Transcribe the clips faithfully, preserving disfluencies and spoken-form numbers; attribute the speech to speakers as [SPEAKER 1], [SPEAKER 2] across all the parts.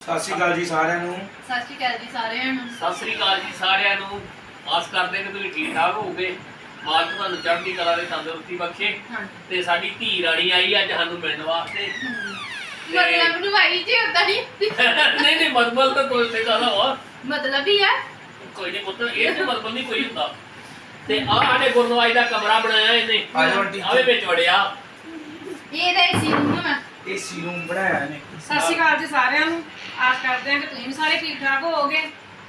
[SPEAKER 1] ਸਤਿ ਸ਼੍ਰੀ ਅਕਾਲ ਜੀ ਸਾਰਿਆਂ ਨੂੰ।
[SPEAKER 2] ਸਤਿ ਸ਼੍ਰੀ ਅਕਾਲ ਜੀ ਸਾਰਿਆਂ ਨੂੰ।
[SPEAKER 3] ਸਤਿ ਸ੍ਰੀ ਅਕਾਲ ਜੀ ਸਾਰਿਆਂ ਨੂੰ। ਆਸ ਕਰਦੇ ਕਿ ਤੁਸੀਂ ਠੀਕ ਠਾਕ ਹੋਵੋਗੇ। ਮਾਲਕ ਤੁਹਾਨੂੰ ਚੜ੍ਹਦੀ ਕਲਾ ਦੇ ਤੰਦਰੁਸਤੀ ਬਖਸ਼ੇ। ਤੇ ਸਾਡੀ ਧੀ ਰਾਣੀ ਆਈ ਅੱਜ ਸਾਨੂੰ ਮਿਲਣ ਵਾਸਤੇ।
[SPEAKER 2] ਮਤਲਬ ਨੂੰ ਆਈ ਜੀ ਉਦਾਂ ਨਹੀਂ
[SPEAKER 3] ਨਹੀਂ ਨਹੀਂ ਮਤਲਬ ਤਾਂ ਕੋਈ ਤੇ ਕਹਦਾ ਵਾ
[SPEAKER 2] ਮਤਲਬ ਹੀ ਆ
[SPEAKER 3] ਕੋਈ ਨਹੀਂ ਪੁੱਤ ਇਹ ਤੇ ਮਤਲਬ ਨਹੀਂ ਕੋਈ ਹੁੰਦਾ। ਤੇ ਆਹ ਸਾਡੇ ਗੁਰਨਵਾਜ ਦਾ ਕਮਰਾ ਬਣਾਇਆ ਇਹਨੇ ਆਵੇ ਵਿੱਚ ਵੜਿਆ।
[SPEAKER 2] ਇਹਦਾ ਏਸੀ ਰੂਮ ਆ।
[SPEAKER 1] ਏਸੀ ਰੂਮ ਬਣਾਇਆ ਇਹਨੇ।
[SPEAKER 4] ਸਤਿ ਸ਼੍ਰੀ ਅਕਾਲ ਜੀ ਸਾਰਿਆਂ ਨੂੰ। ਆਸ ਕਰਦੇ ਹਾਂ ਕਿ ਤੁਸੀਂ ਸਾਰੇ ਠੀਕ ਠਾਕ ਹੋਵੋਗੇ।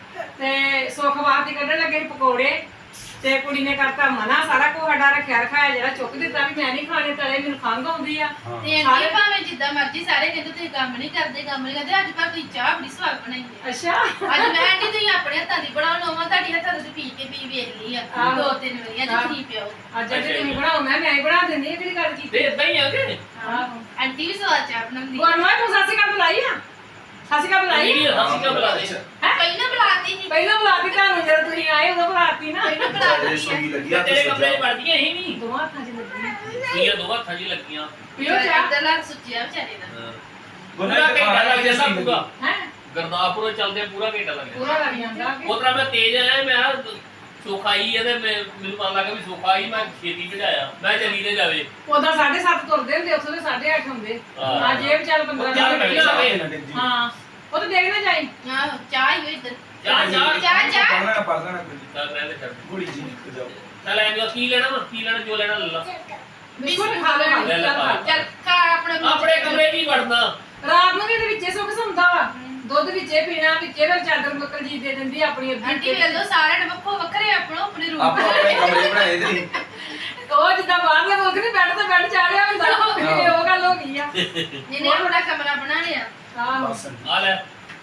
[SPEAKER 4] ਤੇ ਸੁਖਵਾਰ ਦੀ ਕੱਢਣ ਲੱਗੇ ਪਕੌੜੇ ਤੇ ਕੁੜੀ ਨੇ ਕਰਤਾ ਮਨਾ। ਸਾਰਾ ਕੁਝ ਸਾਡਾ ਰੱਖਿਆ ਰਖਾਇਆ ਜਿਹੜਾ ਚੁੱਕ ਦਿੱਤਾ ਵੀ ਮੈਂ ਨਹੀਂ ਖਾਣੇ ਤਲੇ, ਮੈਨੂੰ ਖੰਘ ਆਉਂਦੀ ਆ।
[SPEAKER 2] ਤੇ ਅੱਗੇ ਭਾਵੇਂ ਜਿੱਦਾਂ ਮਰਜ਼ੀ ਸਾਰੇ ਕਹਿੰਦੇ ਤੁਸੀਂ ਕੰਮ ਨਹੀਂ ਕਰਦੇ ਕੰਮ ਨਹੀਂ ਕਰਦੇ। ਅੱਜ ਪਰ ਤੁਸੀਂ ਚਾਹ ਬੜੀ ਸਵਾਦ ਬਣਾਈ ਹੈ।
[SPEAKER 4] ਅੱਛਾ
[SPEAKER 2] ਅੱਜ ਮੈਂ ਆਂਟੀ ਤੁਸੀਂ ਆਪਣੇ ਹੱਥਾਂ ਦੀ ਬਣਾਉਣ ਲਵਾਂ। ਤੁਹਾਡੀ ਹੱਥਾਂ ਦੀ ਪੀ ਕੇ ਪੀ ਵੇਖ ਲਈ ਆ ਦੋ ਤਿੰਨ ਵਾਰੀ। ਅੱਜ ਤੁਸੀਂ ਪਿਓ
[SPEAKER 4] ਅੱਜ ਜੇ ਤੁਸੀਂ ਬਣਾਓ ਮੈਂ ਮੈਂ ਹੀ ਬਣਾ ਦਿੰਦੀ ਹਾਂ। ਕਿਹੜੀ ਗੱਲ
[SPEAKER 3] ਤੇ
[SPEAKER 4] ਕੀਤੀ
[SPEAKER 3] ਇਦਾਂ ਹੀ ਆ ਕਿ
[SPEAKER 4] ਆਹੋ
[SPEAKER 2] ਆਂਟੀ ਵੀ ਸਵਾਦ ਚਾਹ ਬਣਾਉਂਦੀ।
[SPEAKER 4] ਗੁਰਨਵਾਜ ਤੂੰ ਸਤਿ ਸ਼੍ਰੀ ਅਕਾਲ ਬੁਲਾਈ ਆ? ਸਤਿ ਸ਼੍ਰੀ ਅਕਾਲ ਬੁਲਾਈ
[SPEAKER 3] ਵੀਡੀਓ ਹੱਸੀ ਕਾ ਬੁਲਾ ਦੇ।
[SPEAKER 4] ਹੈ
[SPEAKER 2] ਪਹਿਲਾਂ ਬੁਲਾਤੀ ਸੀ
[SPEAKER 4] ਪਹਿਲਾਂ ਬੁਲਾਤੀ ਤੁਹਾਨੂੰ ਜਦੋਂ ਤੁਸੀਂ ਆਏ ਉਦੋਂ ਬੁਲਾਤੀ ਨਾ।
[SPEAKER 2] ਪਹਿਲਾਂ
[SPEAKER 1] ਸਾਡੇ
[SPEAKER 2] ਬੁਲਾਤੀ
[SPEAKER 1] ਸੋਗੀ
[SPEAKER 2] ਆ।
[SPEAKER 1] ਲੱਗਿਆ
[SPEAKER 3] ਤੇਰੇ ਕਮਰੇ 'ਚ ਵੜਦੀਆਂ ਹੀ ਨਹੀਂ।
[SPEAKER 4] ਦੋਵਾਂ ਹੱਥਾਂ 'ਚ ਲੱਗੀ
[SPEAKER 3] ਵੀਆਂ ਦੋ ਹੱਥਾਂ 'ਚ ਲੱਗੀਆਂ।
[SPEAKER 4] ਪੀਓ ਚਾਹ।
[SPEAKER 2] ਇੱਧਰ ਲੱਗ ਸੁੱਚਿਆ ਵਿਚਾਰੇ ਦਾ।
[SPEAKER 3] ਪੂਰਾ ਘੰਟਾ ਲੱਗ ਜਾਂਦਾ ਪੂਰਾ।
[SPEAKER 4] ਹੈ
[SPEAKER 3] ਗਰਦਾਸਪੁਰੋਂ ਚੱਲਦੇ ਪੂਰਾ ਘੰਟਾ ਲੱਗ ਜਾਂਦਾ।
[SPEAKER 4] ਪੂਰਾ ਲੱਗ ਜਾਂਦਾ ਕਿ
[SPEAKER 3] ਉਤਰਾ ਮੈਂ ਤੇਜ਼ ਆਇਆ। ਮੈਂ ਸੋਖਾਈ ਹੈ ਤੇ ਮੈਂ ਮੈਨੂੰ ਪਤਾ ਲੱਗਾ ਵੀ ਸੋਖਾਈ ਮੈਂ ਛੇਤੀ ਭਜਾਇਆ। ਮੈਂ ਚੱਲੀ ਤੇ ਜਾਵੇ
[SPEAKER 4] ਉਦੋਂ ਸਾਢੇ ਸੱਤ ਤੁਰਦੇ ਹੁੰਦੇ ਉੱਥੋਂ ਦੇ ਸਾਢੇ ਅੱਠ ਹੁੰਦੇ।
[SPEAKER 3] ਹਾਂ।
[SPEAKER 4] ਅੱਜ ਇਹ ਵਿਚਾਰ ਪੰਦਰਾਂ
[SPEAKER 3] ਚੱਲ
[SPEAKER 4] ਮਿੰਟ
[SPEAKER 3] ਮੈਂ
[SPEAKER 4] ਪਹਿਲਾਂ
[SPEAKER 3] ਵੀ
[SPEAKER 4] ਹਾਂ ਉਹ ਤਾਂ ਦੇਖ ਨਾ ਜਾਈ।
[SPEAKER 2] ਆਹੋ ਚਾਹ ਹੀ ਹੋਈ ਇੱਧਰ।
[SPEAKER 3] ਚਾਹ ਚਾਹ
[SPEAKER 2] ਚਾਹ ਚਾਹ
[SPEAKER 1] ਪੜਨਾ ਪੜਨਾ ਕੋਈ
[SPEAKER 3] ਚੱਲ ਰਹਿ ਛੱਡ।
[SPEAKER 1] ਕੁੜੀ ਜੀ ਨਿਕਲ ਜਾਓ।
[SPEAKER 3] ਚੱਲ ਐਂ ਜੋ ਕੀ ਲੈਣਾ ਵਾ ਕੀ ਲੈਣਾ ਜੋ ਲੈਣਾ ਲੈ ਲਾ।
[SPEAKER 4] ਬਿਸਕੁਟ ਖਾ ਲੈ
[SPEAKER 3] ਲੈ ਲੈ ਖਾ।
[SPEAKER 2] ਚੱਲ ਖਾ ਆਪਣੇ ਮੂੰਹ
[SPEAKER 3] ਆਪਣੇ
[SPEAKER 2] ਚ।
[SPEAKER 3] ਕਮਰੇ 'ਚ ਹੀ ਵੜਨਾ।
[SPEAKER 4] ਰਾਤ ਨੂੰ ਵੀ ਇਹਦੇ ਵਿੱਚੇ ਸੁੱਕ ਸੌਂਦਾ ਵਾ। ਦੁੱਧ ਵਿੱਚੇ ਪੀਣਾ ਵਿੱਚੇ ਫਿਰ ਚਾਦਰ ਮੁੱਕਲ ਜੀ ਦੇ ਦਿੰਦੀ ਆਪਣੀ
[SPEAKER 2] ਆਂਟੀ
[SPEAKER 4] ਅੱਧੀ।
[SPEAKER 2] ਵੇਖ ਲਓ ਸਾਰਿਆਂ ਨੇ ਵੱਖੋ ਵੱਖਰੇ ਆਪਣੋ ਆਪਣੇ ਰੂਮ
[SPEAKER 1] ਆਪਾਂ ਆਪਣੇ ਕਮਰੇ ਬਣਾਏ ਦੇ।
[SPEAKER 4] ਉਹ ਜਿੱਦਾਂ ਬਾਹਰਲੇ ਮੁਲਕ ਨਹੀਂ ਬੈੱਡ ਤੇ ਬੈੱਡ ਚਾੜਿਆ ਹੁੰਦਾ ਇਹ ਉਹ ਗੱਲ ਹੋ ਗਈ ਆ।
[SPEAKER 2] ਜਿਹਨੇ ਆਪਣਾ ਕਮਰਾ ਬਣਾ ਲਿਆ।
[SPEAKER 4] ਆਹੋ
[SPEAKER 1] ਬਸ
[SPEAKER 3] ਆ ਲੈ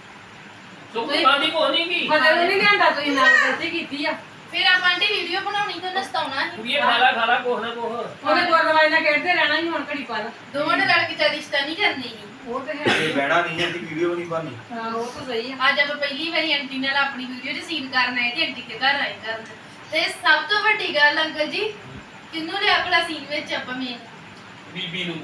[SPEAKER 3] ਸੁੱਕ ਖਾਂਦੀ ਕੋ ਨਹੀਂ ਕੀ
[SPEAKER 4] ਮਤਲਬ ਨਹੀਂ ਲਿਆਂਦਾ ਤੁਸੀਂ ਨਾਲ ਗਲਤੀ ਕੀਤੀ ਆ।
[SPEAKER 2] ਫਿਰ ਆਪਾਂ ਆਂਟੀ ਵੀਡੀਓ ਬਣਾਉਣੀ ਤਾਂ ਨਸਤਾਉਣਾ ਸੀ।
[SPEAKER 3] ਕੁੜੀਏ ਖਾ ਲੈ ਖਾ ਲੈ ਕੋਹ ਨਾ ਕੋਹ।
[SPEAKER 4] ਉਹਨੇ ਗੁਰਨਵਾਜ ਨਾਲ ਖੇਡਦੇ ਰਹਿਣਾ ਹੀ ਹੁਣ ਘੜੀ ਪਲ।
[SPEAKER 2] ਦੋਵਾਂ ਨੇ ਰਲ ਕੇ ਤਾਂ ਰਿਸ਼ਤਾ ਨਹੀਂ ਕਰਨੀ।
[SPEAKER 4] ਉਹ ਤੇ ਹੈ
[SPEAKER 1] ਇਹ ਬਹਿਣਾ ਨਹੀਂ ਹੈ ਦੀ ਵੀਡੀਓ ਨਹੀਂ ਬਣਨੀ।
[SPEAKER 4] ਹਾਂ ਉਹ ਤਾਂ ਸਹੀ ਆ।
[SPEAKER 2] ਅੱਜ ਆਪਾਂ ਪਹਿਲੀ ਵਾਰੀ ਆਂਟੀ ਨਾਲ ਆਪਣੀ ਵੀਡੀਓ ਚ ਸੀਨ ਕਰਨ ਆਏ ਤੇ ਆਂਟੀ ਦੇ ਘਰ ਆਏ ਕਰਨ। ਤੇ ਸਭ ਤੋਂ ਵੱਡੀ ਗੱਲ ਅੰਕਲ ਜੀ ਕਿੰਨੂੰ ਲਿਆ ਆਪਣਾ ਸੀਨ ਵਿੱਚ ਆਪਾਂ ਮੇਨ
[SPEAKER 3] ਬੀਬੀ ਨੂੰ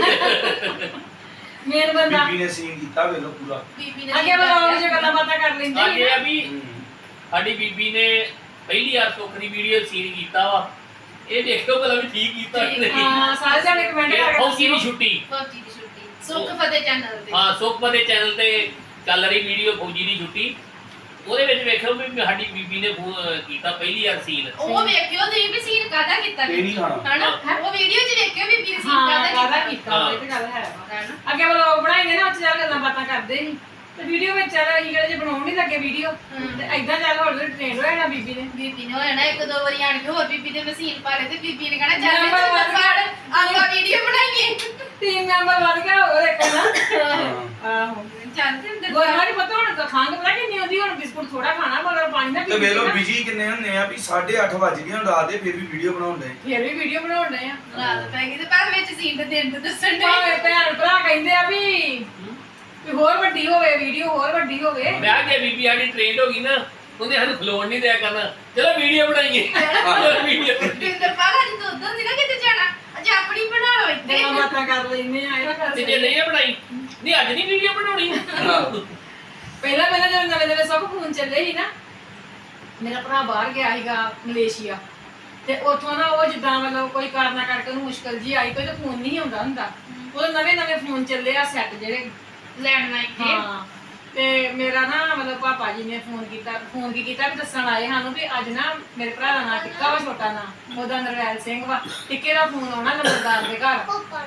[SPEAKER 4] ਮੇਨ ਬੰਦਾ
[SPEAKER 1] ਬੀਬੀ ਨੇ ਸੀਨ ਕੀਤਾ ਵੇਲੋ ਪੂਰਾ।
[SPEAKER 2] ਬੀਬੀ ਨੇ
[SPEAKER 4] ਅੱਗੇ ਬਲੌਗ 'ਚ ਗੱਲਾਂ ਬਾਤਾਂ ਕਰ ਲੈਂਦੇ
[SPEAKER 3] ਅੱਜ
[SPEAKER 4] ਸੀ
[SPEAKER 3] ਇਹ
[SPEAKER 4] ਨਾ।
[SPEAKER 3] ਆ ਵੀ ਸਾਡੀ ਬੀਬੀ ਨੇ ਪਹਿਲੀ ਵਾਰ ਸੁੱਖ ਦੀ ਵੀਡੀਓ ਸੀਨ ਕੀਤਾ ਵਾ। ਇਹ ਦੇਖੋ ਭਲਾ ਵੀ ਠੀਕ ਕੀਤਾ ਕਿ ਨਹੀਂ।
[SPEAKER 4] ਹਾਂ ਸਾਰੇ ਜਾਣੇ ਕਮੈਂਟ
[SPEAKER 3] ਇਹ
[SPEAKER 4] ਕਰਕੇ
[SPEAKER 3] ਫੌਜੀ ਦੀ ਛੁੱਟੀ।
[SPEAKER 2] ਫੌਜੀ ਦੀ ਛੁੱਟੀ ਸੁੱਖ ਫਤਿਹ ਚੈਨਲ ਤੇ।
[SPEAKER 3] ਹਾਂ ਸੁੱਖ ਦੇ ਚੈਨਲ ਤੇ ਚੱਲ ਰਹੀ ਵੀਡੀਓ ਫੌਜੀ ਦੀ ਛੁੱਟੀ। ਉਹਦੇ ਵਿੱਚ ਵੇਖਿਓ ਵੀ ਸਾਡੀ ਬੀਬੀ ਨੇ ਫੋ- ਕੀਤਾ ਪਹਿਲੀ ਵਾਰ ਸੀਨ।
[SPEAKER 2] ਉਹ ਵੇਖਿਓ ਤੁਸੀਂ ਵੀ ਸੀਨ ਕਾਹਦਾ ਕੀਤਾ
[SPEAKER 1] ਇਹ ਨਹੀਂ ਖਾਣਾ।
[SPEAKER 2] ਹਨਾ ਉਹ ਵੀਡੀਓ ਚ ਵੇਖਿਓ ਵੀ ਵੀਰ ਸੀਨ
[SPEAKER 4] ਹਾਂ
[SPEAKER 2] ਕਾਹਦਾ
[SPEAKER 4] ਕਾਹਦਾ
[SPEAKER 2] ਕੀਤਾ
[SPEAKER 4] ਕੀਤਾ ਇਹ ਤੇ ਗੱਲ ਹੈ ਵਾ।
[SPEAKER 2] ਹਨਾ
[SPEAKER 4] ਅੱਗੇ ਬਲੌਗ ਬਣਾਏ ਨੇ ਨਾ ਉੱਚ ਚੱਲ ਗੱਲਾਂ ਬਾਤਾਂ ਕਰਦੇ ਸੀ ਤੇ ਵੀਡੀਓ ਵਿੱਚ ਚੱਲ ਅਸੀਂ ਕਿਹੜੇ ਜੇ ਬਣਾਉਣ ਨਹੀਂ ਲੱਗੇ ਵੀਡੀਓ ਤੇ ਐਦਾਂ ਚੱਲ ਹੌਲੀ ਹੌਲੀ ਟ੍ਰੇਨ ਹੋ ਜਾਣਾ ਬੀਬੀ ਨੇ।
[SPEAKER 2] ਬੀਬੀ ਨੇ ਹੋ ਜਾਣਾ ਇੱਕ ਦੋ ਵਾਰੀ ਆਣ ਕੇ ਹੋਰ ਬੀਬੀ ਦੇ ਮਸ਼ੀਨ ਪਾ ਲੈ ਤੇ ਬੀਬੀ ਨੇ ਕਹਣਾ ਚੱਲ
[SPEAKER 4] ਨੰਬਰ ਵੱਧ
[SPEAKER 2] ਇੱਧਰ ਫੜ ਆਪਾਂ ਵੀਡੀਓ ਬਣਾਈਏ।
[SPEAKER 4] ਟੀਮ ਮੈਂਬਰ ਵੱਧ ਗਿਆ ਹੋਰ ਇੱਕ ਨਾ।
[SPEAKER 1] ਹਾਂ।
[SPEAKER 4] ਆਹੋ
[SPEAKER 2] ਚੱਲ ਤੇ ਅੰਦਰ
[SPEAKER 4] ਗੋਰਵਾਰੀ ਪਤਾ ਹੁਣ ਤਾਂ ਖੰਘ ਪਤਾ ਕਿੰਨੀ ਹੁੰਦੀ ਹੁਣ ਬਿਸਕੁਟ ਥੋੜਾ ਖਾਣਾ ਮਗਰ ਪਾਣੀ ਨਾ
[SPEAKER 1] ਤੇ ਵੇਲੋ ਬਿਜੀ ਕਿੰਨੇ ਹੁੰਨੇ ਆ ਵੀ ਸਾਢੇ ਅੱਠ ਵੱਜ ਗਏ ਹੁਣ ਰਾਤ ਦੇ ਫਿਰ ਵੀ ਵੀਡੀਓ ਬਣਾਉਂਦੇ।
[SPEAKER 4] ਫਿਰ ਵੀ ਵੀਡੀਓ ਬਣਾਉਣ ਡਏ ਆ।
[SPEAKER 2] ਰਾਤ ਪੈ ਗਈ ਤੇ ਪਰ ਵਿੱਚ ਸੀਨ ਤੇ ਦਿਨ ਤੇ ਦੱਸਣ ਦੇ
[SPEAKER 4] ਭਾਵੇਂ ਭੈਣ ਭਰਾ ਕਹਿੰਦੇ ਆ ਵੀ ਵੀ ਹੋਰ ਵੱਡੀ ਹੋਵੇ ਵੀਡੀਓ ਹੋਰ ਵੱਡੀ ਹੋਵੇ।
[SPEAKER 3] ਮੈਂ ਕਿਹਾ ਬੀਬੀ ਸਾਡੀ ਟ੍ਰੇਨਡ ਹੋ ਗਈ ਨਾ ਉਹਨੇ ਸਾਨੂੰ ਖਲੋਣ ਨਹੀਂ ਦਿਆ ਕਰਨਾ। ਚਲੋ ਵੀਡੀਓ ਬਣਾਈਏ ਵੀਡੀਓ
[SPEAKER 2] ਦਿੰਦਰ ਪਾਲਾ ਜੀ ਤੋਂ ਉਧਰ ਨਹੀਂ ਨਾ ਕਿਤੇ ਜਾਣਾ ਅੱਜ ਆਪਣੀ ਬਣਾ ਲਓ ਇੱਥੇ
[SPEAKER 4] ਗੱਲਾਂ ਬਾਤਾਂ ਕਰ ਲੈਨੇ ਆ ਇਹ
[SPEAKER 3] ਤੇ ਜੇ ਨਹੀਂ ਬਣਾਈ ਨਹੀਂ ਅੱਜ ਨਹੀਂ ਵੀਡੀਓ ਬਣਾਉਣੀ।
[SPEAKER 4] ਪਹਿਲਾਂ ਪਹਿਲਾਂ ਜਦੋਂ ਨਵੇਂ ਨਵੇਂ ਸਭ ਫੋਨ ਚੱਲੇ ਸੀ ਨਾ ਮੇਰਾ ਭਰਾ ਬਾਹਰ ਗਿਆ ਸੀਗਾ ਮਲੇਸ਼ੀਆ ਤੇ ਉੱਥੋਂ ਨਾ ਉਹ ਜਿੱਦਾਂ ਮਤਲਬ ਕੋਈ ਕਾਰਨਾ ਕਰਕੇ ਉਹਨੂੰ ਮੁਸ਼ਕਲ ਜੀ ਆਈ ਕੋਈ ਤਾਂ ਫੋਨ ਨਹੀਂ ਆਉਂਦਾ ਹੁੰਦਾ। ਉਹ ਨਵੇਂ ਨਵੇਂ ਫੋਨ ਚੱਲੇ ਆ ਸੈੱਟ ਜਿਹੜੇ
[SPEAKER 2] ਲੈਣ ਲਾਇਕ ਤੇ
[SPEAKER 4] ਹਾਂ ਤੇ ਮੇਰਾ ਨਾ ਮਤਲਬ ਪਾਪਾ ਜੀ ਨੇ ਫੋਨ ਕੀਤਾ ਫੋਨ ਕੀ ਕੀਤਾ ਵੀ ਦੱਸਣ ਆਏ ਸਾਨੂੰ ਵੀ ਅੱਜ ਨਾ ਮੇਰੇ ਭਰਾ ਦਾ ਨਾਂ ਟਿੱਕਾ ਵਾ ਛੋਟਾ ਨਾਂ ਉਹਦਾ ਨਰਵੈਲ ਸਿੰਘ ਵਾ ਟਿੱਕੇ ਦਾ ਫੋਨ ਆਉਣਾ ਲੰਬੜਦਾਰ ਦੇ ਘਰ।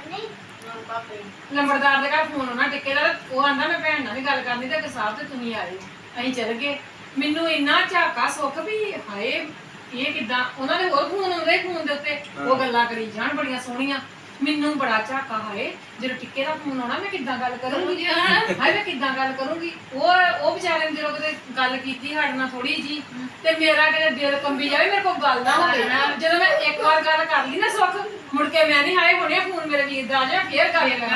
[SPEAKER 4] ਲੰਬੜਦਾਰ ਦੇ ਘਰ ਫੋਨ ਆਉਣਾ ਟਿੱਕੇ ਦਾ ਉਹ ਆਂਦਾ ਮੈਂ ਭੈਣ ਨਾਲ ਵੀ ਗੱਲ ਕਰਨੀ ਤੇ ਸਾਹਿਬ ਤੇ ਤੁਸੀਂ ਆਏ ਅਸੀਂ ਚਲ ਗਏ। ਮੈਨੂੰ ਇੰਨਾ ਝਾਕਾ ਸੁੱਖ ਵੀ ਹਾਏ ਇਹ ਕਿਦਾਂ ਉਹਨਾਂ ਦੇ ਹੋਰ ਫੋਨ ਆਉਂਦੇ ਫੋਨ ਦੇ ਉੱਤੇ ਉਹ ਗੱਲਾਂ ਕਰੀ ਜਾਣ ਬੜੀਆਂ ਸੋਹਣੀਆਂ। ਮੈਨੂੰ ਬੜਾ ਝਾਕਾ ਹਾਏ ਜਦੋਂ ਟਿੱਕੇ ਦਾ ਫੋਨ ਆਉਣਾ ਮੈਂ ਕਿੱਦਾਂ ਗੱਲ ਕਰੂੰਗੀ ਹਾਏ ਮੈਂ ਕਿੱਦਾਂ ਗੱਲ ਕਰੂੰਗੀ। ਉਹ ਉਹ ਵਿਚਾਰੇ ਨੇ ਜਦੋਂ ਕਿਤੇ ਗੱਲ ਕੀਤੀ ਸਾਡੇ ਨਾਲ ਥੋੜੀ ਜੀ ਤੇ ਮੇਰਾ ਕਿਤੇ ਦਿਲ ਕੰਬੀ ਜਾਵੇ ਮੇਰੇ ਕੋਲ ਗੱਲ ਨਾ ਹੋਵੇ। ਜਦੋਂ ਮੈਂ ਇੱਕ ਵਾਰ ਗੱਲ ਕਰ ਲਈ ਨਾ ਸੁੱਖ ਮੁੜ ਕੇ ਮੈਂ ਨਹੀਂ ਹਾਏ ਹੁਣੇ ਫੋਨ ਮੇਰੇ ਵੀਰ ਦਾ ਆ ਜਾ ਫੇਰ ਗੱਲ ਕਰਾਂ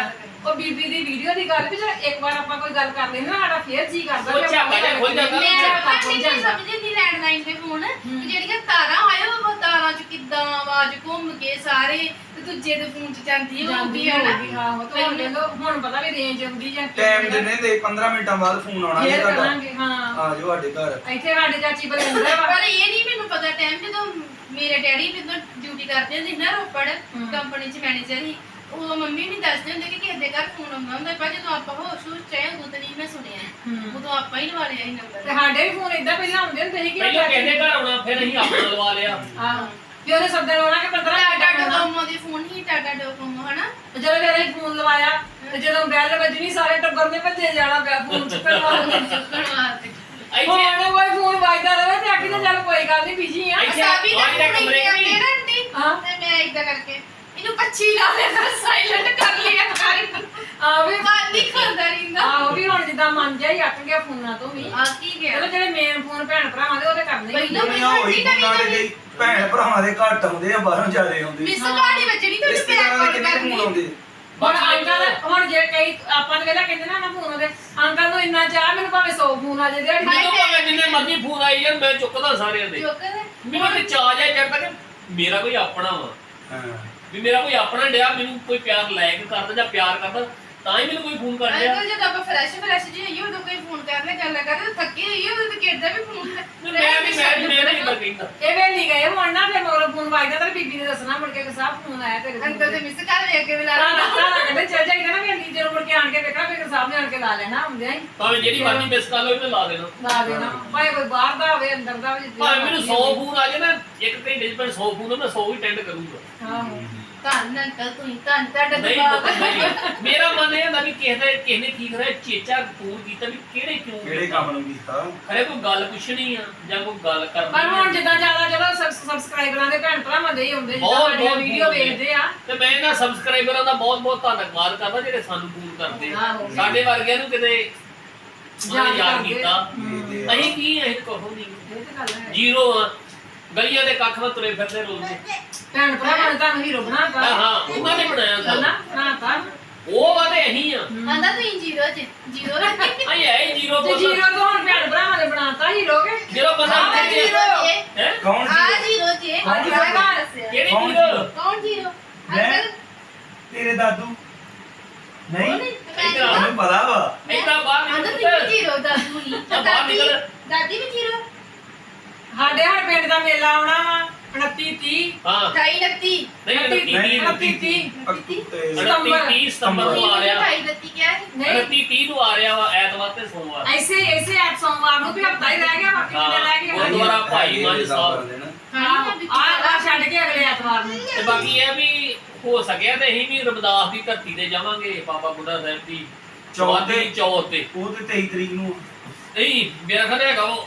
[SPEAKER 4] ਉਹ ਬੀਬੀ ਦੀ ਵੀਡੀਓ ਦੀ ਗੱਲ ਵੀ ਜੇ ਇੱਕ ਵਾਰ ਆਪਾਂ ਕੋਈ ਗੱਲ ਕਰ ਲੈਂਦੇ ਨਾ ਸਾਡਾ ਫੇਰ ਜੀ ਕਰਦਾ
[SPEAKER 3] ਉਹ ਝਾਕਾ ਜਿਹਾ ਖੁੱਲ ਜਾਂਦਾ।
[SPEAKER 2] ਮੈਂ
[SPEAKER 4] ਝਾਕਾ ਖੁੱਲ
[SPEAKER 2] ਨਹੀਂ
[SPEAKER 4] ਜਾਂਦਾ।
[SPEAKER 2] ਸਮਝਦੀ ਨਹੀਂ ਲੈਂਡਲਾਈਨ ਤੇ ਫੋਨ ਕਿ ਜਿਹੜੀਆਂ ਤਾਰਾਂ ਆਏ ਉਹ ਤਾਰਾਂ ਚ ਕਿੱਦਾਂ ਆਵਾਜ਼ ਘੁੰਮ ਕੇ ਸਾਰੇ ਤੇ ਦੂਜੇ ਦੇ ਫੋਨ ਚ ਜਾਂਦੀ
[SPEAKER 4] ਜਾਂਦੀ
[SPEAKER 2] ਹੋਊਗੀ ਹਨਾ
[SPEAKER 4] ਹੋਊਗੀ ਹਾਂ ਉਹ ਤਾਂ ਹੁਣ ਦੇਖ ਲਓ ਹੁਣ ਪਤਾ ਵੀ ਰੇਂਜ ਆਉਂਦੀ ਜਾਂ ਕੀ
[SPEAKER 1] ਟਾਈਮ
[SPEAKER 4] ਹੁੰਦਾ।
[SPEAKER 1] ਦਿੰਦੇ ਤੇ ਪੰਦਰਾਂ ਮਿੰਟਾਂ ਬਾਅਦ ਫੋਨ ਆਉਣਾ ਜੀ
[SPEAKER 4] ਫੇਰ
[SPEAKER 1] ਤੁਹਾਡਾ
[SPEAKER 4] ਕਰਾਂਗੇ ਹਾਂ
[SPEAKER 1] ਆ ਜਾਓ ਸਾਡੇ ਘਰ।
[SPEAKER 4] ਇੱਥੇ ਸਾਡੇ ਚਾਚੀ ਬਲਿੰਦਰ ਵਾ
[SPEAKER 2] ਪਰ ਇਹ ਨਹੀਂ ਮੈਨੂੰ ਪਤਾ ਟਾਈਮ ਜਦੋਂ ਮੇਰੇ ਡੈਡੀ ਜਦੋਂ ਡਿਊਟੀ ਕਰਦੇ ਹੁੰਦੇ ਸੀ ਨਾ ਰੋਪੜ ਕੰਪਨੀ ਚ ਮੈਨੇਜਰ ਸੀ ਉਹ ਮੰਮੀ ਨਹੀਂ ਦੱਸਦੇ ਹੁੰਦੇ ਕਿ ਕਿਸੇ ਦੇ ਘਰ ਫੋਨ ਆਉਂਦਾ ਹੁੰਦਾ ਪਰ ਜਦੋਂ ਆਪਾਂ ਹੋਸ਼ ਹੋਸ਼ ਚਾਹੇ ਉਦੋਂ ਤਾਂ ਨਹੀਂ ਮੈਂ ਸੁਣਿਆ ਉਦੋਂ ਆਪਾਂ ਹੀ ਲਵਾ ਲਿਆ ਸੀ ਨੰਬਰ
[SPEAKER 4] ਤੇ ਸਾਡੇ ਵੀ ਫੋਨ ਇਦਾਂ ਪਹਿਲਾਂ ਹੁੰਦੇ ਹੁੰਦੇ ਸੀ ਕਿ
[SPEAKER 3] ਪਹਿਲਾਂ ਕਹਿੰਦੇ ਘਰ ਆਉਣਾ ਫਿਰ ਅਸੀਂ ਆਪਣਾ ਲਵਾ ਲਿਆ।
[SPEAKER 4] ਆਹੋ ਵੀ ਉਹਨੇ ਸੱਦਣ ਆਉਣਾ ਕਿ ਪੰਦਰਾਂ
[SPEAKER 2] ਟਾਟਾ
[SPEAKER 4] ਮਿੰਟ ਆਉਣਾ।
[SPEAKER 2] ਡੋਕੋਮੋ ਦੇ ਫੋਨ ਹੀ ਟਾਟਾ ਡੋਕੋਮੋ ਹਨਾ
[SPEAKER 4] ਤੇ ਜਦੋਂ ਫਿਰ ਅਸੀਂ ਫੋਨ ਲਵਾਇਆ ਤੇ ਜਦੋਂ ਬੈਲ ਵੱਜਣੀ ਸਾਰੇ ਟੱਬਰ ਨੇ ਭੱਜੇ ਜਾਣਾ ਪਿਆ ਫੋਨ ਚੁੱਕਣ ਵਾਸਤੇ
[SPEAKER 2] ਚੁੱਕਣ ਵਾਸਤੇ
[SPEAKER 3] ਇੱਥੇ
[SPEAKER 4] ਹੁਣ ਕੋਈ ਫੋਨ ਵੱਜਦਾ ਰਹੇ ਤੇ ਆਖੀ ਚੱਲ ਕੋਈ ਗੱਲ ਨਹੀਂ ਬਿਜੀ ਆ
[SPEAKER 3] ਇੱਥੇ
[SPEAKER 2] ਸਾਬੀ ਦਾ
[SPEAKER 3] ਆਹ ਜਿਹੜਾ
[SPEAKER 2] ਫੋਨ
[SPEAKER 3] ਕਮਰੇ
[SPEAKER 2] ਇੱਥੇ
[SPEAKER 3] ਵੀ-
[SPEAKER 2] ਆਉਂਦੇ ਨਾ ਆਂਟੀ
[SPEAKER 4] ਹਾਂ।
[SPEAKER 2] ਤੇ ਮੈਂ ਇਦਾਂ ਕਰਕੇ ਇਹਨੂੰ ਪੱਛੀ ਲਾ ਲੈਣਾ ਸਾਇਲੈਂਟ ਕਰ ਲਿਆ ਸਾਰੀ
[SPEAKER 4] ਆ ਵੀ
[SPEAKER 2] ਬਾਤ ਨਹੀਂ ਕਰਦਾ ਰਹਿੰਦਾ
[SPEAKER 4] ਆਹੋ ਵੀ ਹੁਣ ਜਿੱਦਾਂ ਮਨ ਜਿਹਾ ਹੀ ਅੱਕ ਗਿਆ ਫੋਨਾਂ ਤੋਂ ਵੀ
[SPEAKER 2] ਆ ਕੀ ਗਿਆ
[SPEAKER 4] ਚਲੋ ਜਿਹੜੇ ਮੇਨ ਫੋਨ ਭੈਣ ਭਰਾਵਾਂ ਦੇ ਉਹ ਤੇ ਕਰਨੇ ਹੀ
[SPEAKER 2] ਪਹਿਲਾਂ
[SPEAKER 4] ਹੁੰਦੇ।
[SPEAKER 1] ਦੁਨੀਆ ਹੋਈ ਫੋਨਾਂ ਦੇ ਗਈ ਭੈਣ ਭਰਾਵਾਂ ਦੇ ਘੱਟ ਆਉਂਦੇ ਆ ਬਾਹਰੋਂ ਜ਼ਿਆਦੇ ਆਉਂਦੇ
[SPEAKER 2] ਮਿਸ ਕਾੜੀ ਵੱਜਣੀ ਤੇ ਪਿਆਰ
[SPEAKER 1] ਰਿਸ਼ਤੇਦਾਰਾਂ ਦੇ
[SPEAKER 2] ਕੋਲ
[SPEAKER 1] ਕਿੰਨੇ ਫੋਨ
[SPEAKER 2] ਕਰਨੀ
[SPEAKER 1] ਆਉਂਦੇ
[SPEAKER 4] ਹੁਣ
[SPEAKER 3] ਬਾਕੀ
[SPEAKER 4] ਅੰਕਲ ਹੁਣ ਜੇ ਕਈ ਆਪਾਂ ਨੇ ਵੇਲਾ ਕਹਿੰਦੇ ਨਾ ਨਾ ਫੋਨ ਉਹਦੇ ਅੰਕਲ ਨੂੰ ਇੰਨਾ ਚਾਹ ਮੈਨੂੰ ਭਾਵੇਂ ਸੌ ਫੋਨ ਆ ਜੇ ਦਿਹਾੜੀ
[SPEAKER 3] ਮੈਨੂੰ ਭਾਵੇਂ ਜਿੰਨੇ ਮਰਜ਼ੀ ਫੋਨ ਆਈ ਯਾਰ ਮੈਂ ਚੁੱਕਦਾ ਸਾਰਿਆਂ ਦੇ।
[SPEAKER 2] ਜੋਕਰ
[SPEAKER 3] ਮੈਨੂੰ ਤੇ ਚਾਹ ਜਾਇ ਚੜਦਾ ਕਿ ਮੇਰਾ ਕੋਈ ਆਪਣਾ ਵਾ
[SPEAKER 1] ਹਾਂ
[SPEAKER 3] ਵੀ ਮੇਰਾ ਕੋਈ ਆਪਣਾ ਡਿਆ ਮੈਨੂੰ ਕੋਈ ਪਿਆਰ ਲਾਇਕ ਕਰਦਾ ਜਾਂ ਪਿਆਰ ਕਰਦਾ ਤਾਂ ਹੀ ਮੈਨੂੰ ਕੋਈ ਫੋਨ ਕਰ ਰਿਹਾ।
[SPEAKER 2] ਅੰਕਲ ਜਦ ਆਪਾਂ ਫਰੈਸ਼ ਫਰੈਸ਼ ਜੀ ਹੋਈਏ ਉਦੋਂ ਕੋਈ ਫੋਨ ਕਰ ਲੈ ਗੱਲ ਕਰਦੇ ਥੱਕੇ ਹੋਈਏ ਉਦੋਂ ਤੇ ਕਿਹਦਾ ਵੀ ਫੋਨ
[SPEAKER 3] ਮੈਂ ਵੀ ਮੈਂ ਵੀ ਮੈਂ ਨਹੀਂ ਇਦਾਂ ਕਹਿੰਦਾ।
[SPEAKER 4] ਇਹ ਵੇਲੀ ਗਏ ਹੁਣ ਨਾ ਫਿਰ ਮਗਰੋਂ ਫੋਨ ਵੱਜਦਾ ਤੇ ਬੀਬੀ ਨੇ ਦੱਸਣਾ ਮੁੜ ਕੇ ਕਿ ਸਾਹਿਬ ਫੋਨ ਆਇਆ ਤੇਰੇ
[SPEAKER 2] ਅੰਕਲ ਦੇ ਮਿਸ ਕਰ ਵੇਖ ਕੇ ਲਾ
[SPEAKER 4] ਤਾਂ ਤਾਂ ਕਹਿੰਦੇ ਚੱਲ ਜਾਈਦਾ ਨਾ ਵੇਲੀ ਜਦੋਂ ਮੁੜ ਕੇ ਆਣ ਕੇ ਵੇਖਣਾ ਫਿਰ ਸਾਹਿਬ ਨੇ ਆਣ ਕੇ ਲਾ ਲੈਣਾ ਹੁੰਦਿਆਂ ਹੀ
[SPEAKER 3] ਭਾਵੇਂ ਜਿਹੜੀ ਮਰਜ਼ੀ ਮਿਸ ਕਾਲ ਹੋਵੇ ਮੈਂ ਲਾ ਦੇਣਾ।
[SPEAKER 4] ਲਾ ਦੇਣਾ ਭਾਵੇਂ ਕੋਈ ਬਾਹਰ ਦਾ ਹੋਵੇ ਅੰਦਰ ਦਾ ਹੋਵੇ ਜਿੱਦਾਂ
[SPEAKER 3] ਭਾਵੇਂ ਮੈਨੂੰ ਸੌ ਫੋਨ ਆ ਜਾਏ ਨਾ ਇੱਕ ਘੰਟੇ ਚ ਮੈਂ ਸੌ ਫੋਨ ਮੈਂ ਸੌ ਹੀ ਅਟੈਂਡ ਕਰੂੰਗਾ।
[SPEAKER 4] ਆਹੋ
[SPEAKER 2] ਧੰਨ ਅੰਕਲ ਤੁਸੀਂ ਧੰਨ ਤੁਹਾਡਾ
[SPEAKER 3] ਨਹੀਂ
[SPEAKER 2] ਦਿਮਾਗ
[SPEAKER 3] ਨਹੀਂ ਮੇਰਾ ਮਨ ਇਹ ਹੁੰਦਾ ਵੀ ਕਿਸੇ ਦਾ ਕਿਸੇ ਨੇ ਕੀ ਕਰਿਆ ਚੇਚਾ ਫੋਨ ਕੀਤਾ ਵੀ ਕਿਹੜੇ ਕਿਉਂ
[SPEAKER 1] ਕਿਹੜੇ ਕੰਮ ਨੂੰ ਕੀਤਾ
[SPEAKER 3] ਖਰੇ ਕੋਈ ਗੱਲ ਪੁੱਛਣੀ ਆ ਜਾਂ ਕੋਈ ਗੱਲ ਕਰਨੀ
[SPEAKER 4] ਪਰ ਹੁਣ
[SPEAKER 3] ਆ।
[SPEAKER 4] ਜਿੱਦਾਂ ਜ਼ਿਆਦਾ ਚਲੋ ਸਬਸਕ੍ਰਾਈਬਰਾਂ ਦੇ ਭੈਣ ਭਰਾਵਾਂ ਦੇ ਹੀ ਹੁੰਦੇ ਜਿੱਦਾਂ
[SPEAKER 3] ਬਹੁਤ-
[SPEAKER 4] ਸਾਡੀਆਂ
[SPEAKER 3] ਬਹੁਤ
[SPEAKER 4] ਵੀਡੀਓ
[SPEAKER 3] ਹੁੰਦੇ ਆ।
[SPEAKER 4] ਵੇਖਦੇ ਆ
[SPEAKER 3] ਤੇ ਮੈਂ ਇਹਨਾਂ ਸਬਸਕ੍ਰਾਈਬਰਾਂ ਦਾ ਬਹੁਤ ਬਹੁਤ ਧੰਨਵਾਦ ਕਰਦਾ ਜਿਹੜੇ ਸਾਨੂੰ ਫੋਨ ਕਰਦੇ ਆ।
[SPEAKER 4] ਆਹੋ।
[SPEAKER 3] ਸਾਡੇ ਵਰਗਿਆਂ ਨੂੰ ਕਿਤੇ
[SPEAKER 4] ਯਾਦ
[SPEAKER 3] ਯਾਦ
[SPEAKER 4] ਕਰਦੇ।
[SPEAKER 3] ਕੀਤਾ
[SPEAKER 1] ਵੇਖਦੇ ਆ।
[SPEAKER 3] ਅਸੀਂ ਕੀ ਅਸੀਂ ਕਹੋ ਨਹੀਂ
[SPEAKER 4] ਇਹ ਤੇ ਗੱਲ ਹੈ
[SPEAKER 3] ਜ਼ੀਰੋ ਆ ਗਲੀਆਂ ਦੇ ਕੱਖ ਵਿੱਚ ਤੁਰੇ ਫਿਰਦੇ ਰੋਲਦੇ
[SPEAKER 4] ਭੈਣ ਭਰਾਵਾਂ ਨੇ ਤੁਹਾਨੂੰ ਹੀਰੋ ਬਣਾਤਾ
[SPEAKER 3] ਹਾਂ ਹਾਂ ਉਹਨਾਂ ਨੇ ਬਣਾਇਆ
[SPEAKER 4] ਹਨਾ
[SPEAKER 3] ਸਾਨੂੰ
[SPEAKER 4] ਬਣਾਤਾ
[SPEAKER 3] ਉਹ ਵਾਦੇ ਅਸੀਂ ਆ
[SPEAKER 2] ਆਂਦਾ ਤੁਸੀਂ ਜ਼ੀਰੋ ਚ ਜ਼ੀਰੋ
[SPEAKER 3] ਅਸੀਂ ਹੈ ਹੀ ਜ਼ੀਰੋ
[SPEAKER 4] ਤੇ ਜੀਰੋ ਤੋਂ ਹੁਣ ਭੈਣ ਭਰਾਵਾਂ ਨੇ ਬਣਾਤਾ ਹੀਰੋ ਕੇ
[SPEAKER 3] ਜਦੋਂ ਬੰਦਾ
[SPEAKER 2] ਆ
[SPEAKER 3] ਇੱਥੇ
[SPEAKER 2] ਜ਼ੀਰੋ ਜੇ
[SPEAKER 3] ਹੈ
[SPEAKER 1] ਕੌਣ
[SPEAKER 2] ਆ
[SPEAKER 1] ਸੀ
[SPEAKER 2] ਜ਼ੀਰੋ ਜੇ
[SPEAKER 1] ਕੌਣ
[SPEAKER 2] ਜ਼ੀਰੋ
[SPEAKER 1] ਜ਼ੀਰੋ?
[SPEAKER 2] ਦਾ ਦੱਸਿਆ
[SPEAKER 3] ਕਿਹੜੀ
[SPEAKER 1] ਕੌਣ
[SPEAKER 3] ਜ਼ੀਰੋ
[SPEAKER 2] ਕੌਣ ਜ਼ੀਰੋ
[SPEAKER 1] ਮੈਂ?
[SPEAKER 2] ਅੰਕਲ
[SPEAKER 1] ਤੇਰੇ ਦਾਦੂ ਨਹੀਂ
[SPEAKER 3] ਇੱਧਰ ਆ।
[SPEAKER 1] ਮੈਨੂੰ ਪਤਾ ਵਾ
[SPEAKER 3] ਏਦਾਂ ਬਾਹਰ
[SPEAKER 2] ਆਂਦਾ
[SPEAKER 3] ਨਿਕਲ
[SPEAKER 2] ਤੁਸੀਂ
[SPEAKER 3] ਪੁੱਤ।
[SPEAKER 2] ਜ਼ੀਰੋ ਦਾਦੂ ਨਹੀਂ
[SPEAKER 3] ਆ ਬਾਹਰ
[SPEAKER 2] ਦਾਦੀ
[SPEAKER 3] ਨਿਕਲ।
[SPEAKER 2] ਦਾਦੀ ਵੀ ਜ਼ੀਰੋ
[SPEAKER 4] ਸਾਡੇ ਹਰ ਪਿੰਡ ਦਾ ਮੇਲਾ ਆਉਣਾ ਵਾ ਉਨੱਤੀ ਤੀਹ
[SPEAKER 3] ਹਾਂ
[SPEAKER 2] ਢਾਈ ਲੱਤੀ
[SPEAKER 3] ਨਹੀਂ ਉਨੱਤੀ ਤੀਹ
[SPEAKER 4] ਉਨੱਤੀ ਤੀਹ
[SPEAKER 1] ਅਕਤੂ ਤੇ
[SPEAKER 3] ਉਨੱਤੀ ਤੀਹ ਸਤੰਬਰ ਨੂੰ ਆ ਰਿਹਾ
[SPEAKER 2] ਢਾਈ ਲੱਤੀ ਕਿਹਾ ਸੀ
[SPEAKER 4] ਨਹੀਂ
[SPEAKER 3] ਉਨੱਤੀ ਤੀਹ ਨੂੰ ਆ ਰਿਹਾ ਵਾ ਐਤਵਾਰ ਤੇ ਸੋਮਵਾਰ
[SPEAKER 4] ਐਸੇ ਐਸੇ ਐਪ ਸੋਮਵਾਰ ਨੂੰ ਵੀ ਹਫਤਾ ਹੀ ਰਹਿ ਗਿਆ ਬਾਕੀ ਕਿੰਨੇ ਰਹਿ ਗਏ
[SPEAKER 3] ਹਾਂ, ਗੁਰਦੁਆਰਾ ਭਾਈ ਮਨ ਸਾਹਿਬ।
[SPEAKER 4] ਆ ਆ ਛੱਡ ਕੇ ਅਗਲੇ ਐਤਵਾਰ ਨੂੰ
[SPEAKER 3] ਤੇ ਬਾਕੀ ਇਹ ਵੀ ਹੋ ਸਕਿਆ ਤੇ ਅਸੀਂ ਵੀ ਰਮਦਾਸ ਦੀ ਧਰਤੀ ਤੇ ਜਾਵਾਂਗੇ ਬਾਬਾ ਬੁੱਢਾ ਸਾਹਿਬ ਦੀ ਚੌਥੀ ਚੌਥ ਤੇ
[SPEAKER 1] ਉਹ ਤੇ ਤੇਈ ਤਰੀਕ ਨੂੰ
[SPEAKER 3] ਨਹੀਂ ਮੇਰਾ ਖਿਆਲ ਹੈਗਾ ਉਹ